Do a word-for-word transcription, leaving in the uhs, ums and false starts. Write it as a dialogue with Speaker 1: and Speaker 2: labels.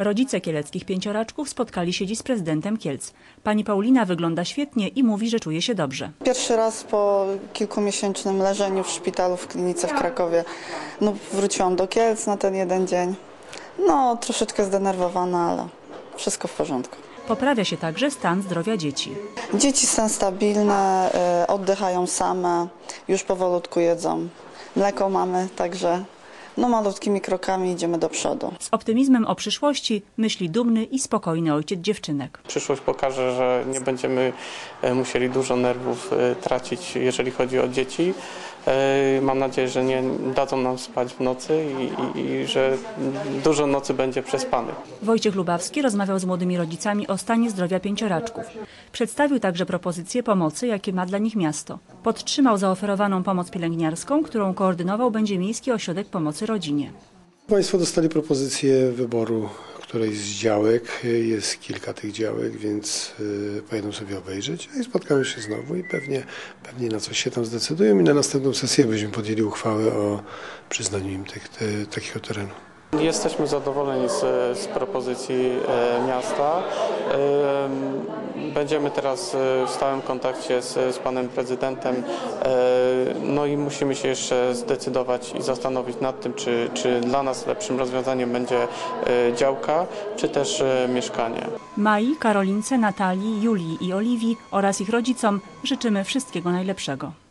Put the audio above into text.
Speaker 1: Rodzice kieleckich pięcioraczków spotkali się dziś z prezydentem Kielc. Pani Paulina wygląda świetnie i mówi, że czuje się dobrze.
Speaker 2: Pierwszy raz po kilkumiesięcznym leżeniu w szpitalu w klinice w Krakowie no, wróciłam do Kielc na ten jeden dzień. No, troszeczkę zdenerwowana, ale wszystko w porządku.
Speaker 1: Poprawia się także stan zdrowia dzieci.
Speaker 2: Dzieci są stabilne, oddychają same, już powolutku jedzą. Mleko mamy, także no, malutkimi krokami idziemy do przodu.
Speaker 1: Z optymizmem o przyszłości myśli dumny i spokojny ojciec dziewczynek.
Speaker 3: Przyszłość pokaże, że nie będziemy musieli dużo nerwów tracić, jeżeli chodzi o dzieci. Mam nadzieję, że nie dadzą nam spać w nocy i, i, i że dużo nocy będzie przespanych.
Speaker 1: Wojciech Lubawski rozmawiał z młodymi rodzicami o stanie zdrowia pięcioraczków. Przedstawił także propozycje pomocy, jakie ma dla nich miasto. Podtrzymał zaoferowaną pomoc pielęgniarską, którą koordynował będzie Miejski Ośrodek Pomocy Rodzinie.
Speaker 4: Państwo dostali propozycję wyboru którejś z działek. Jest kilka tych działek, więc y, pojedą sobie obejrzeć i spotkamy się znowu i pewnie, pewnie na coś się tam zdecydują i na następną sesję będziemy podjęli uchwałę o przyznaniu im tych, te, takiego terenu.
Speaker 3: Jesteśmy zadowoleni z, z propozycji e, miasta. E, będziemy teraz w stałym kontakcie z, z panem prezydentem. E, no i musimy się jeszcze zdecydować i zastanowić nad tym, czy, czy dla nas lepszym rozwiązaniem będzie e, działka, czy też e, mieszkanie.
Speaker 1: Mai, Karolince, Natalii, Julii i Oliwii oraz ich rodzicom życzymy wszystkiego najlepszego.